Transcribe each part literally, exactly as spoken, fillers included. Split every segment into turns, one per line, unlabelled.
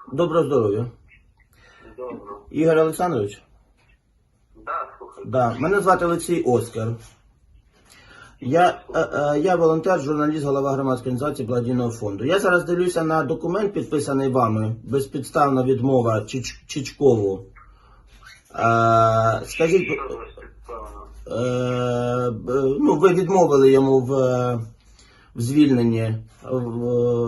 Доброго здоров'я.
Добро.
Ігор Олександрович?
Да, слухай.
Да. Мене звати Олексій Оскар. Я, е, е, я волонтер, журналіст, голова громадської організації благодійного фонду. Я зараз дивлюся на документ, підписаний вами, безпідставна відмова Чич, Чичкову. Е, скажіть,
Що за спецпевно?
е, б- ну, ви відмовили йому в, в звільненні в,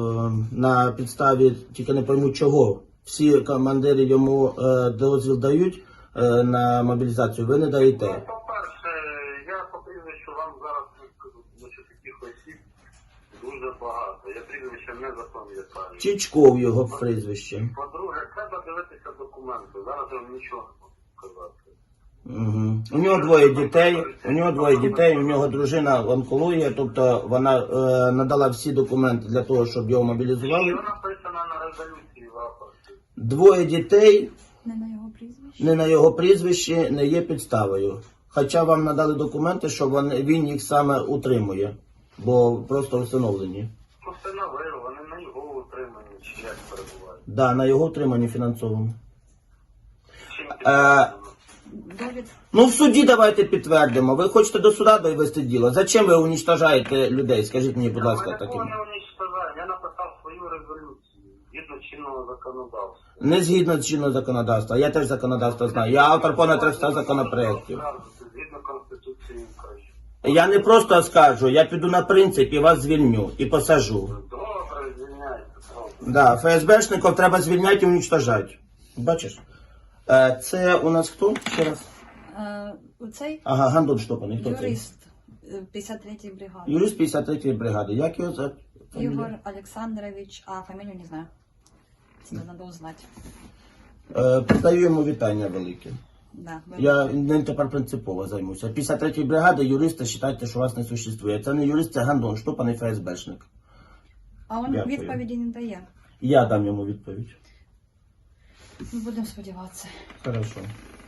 на підставі, тільки не пойму чого. Всі командири йому е, дозвіл дають е, на мобілізацію, ви не
Ну,
даєте.
по-перше, я по прізвищу вам зараз не скажу, тому що таких осіб дуже багато. Я прізвище не запам'ятаю.
Чичков його прізвище.
По-друге, треба дивитися документи. Зараз я вам нічого не можу сказати.
Угу. У нього двоє дітей, у нього двоє дітей, у нього дружина онкологія, тобто вона е, надала всі документи для того, щоб його мобілізували.
Що написано на резолюції в рапорті?
Двоє дітей,
Не на його прізвище.
не на його прізвище, не є підставою. Хоча вам надали документи, що вони, він їх саме утримує, бо просто встановлені.
Постановив, вони на його утриманні, чи як перебувають.
Да, на його утриманні фінансовому.
Чим
Е,
підтверджено?
Довід.
Ну в суді давайте підтвердимо. Ви хочете до суда довести діло. Зачем ви уничтожаєте людей? Скажіть мені, будь ласка,
Я
таким.
нікого не уничтожаю, я написав свою резолюцію згідно чинного законодавства.
Не згідно з чинного законодавства. Я теж законодавство знаю. Я автор понад триста законопроєктів.
Згідно Конституції України.
Я не просто скажу, я піду на принцип і вас звільню і посажу.
Добре, звільняйте, правда.
Да, ФСБшників треба звільняти і уничтожати. Бачиш? Е, Це у нас хто? Ще раз.
Е, Оцей
Ага, Гандон Штопаний. Хто це?
юрист е, п'ятдесят третьої бригади.
Юрист п'ятдесят третьої бригади. Як його за
Ігор Олександрович, а фамілію не знаю. Це треба узнати.
Е, Передаю йому вітання велике.
Да, ви-
Я ним тепер принципово займуся. п'ятдесят третьої бригади юриста вважайте, що вас не существує. Це не юрист, це Гандон Штопаний ФСБшник.
А він
Дякую.
відповіді не дає.
Я дам йому відповідь.
Ми будемо сподіватися.
Хорошо.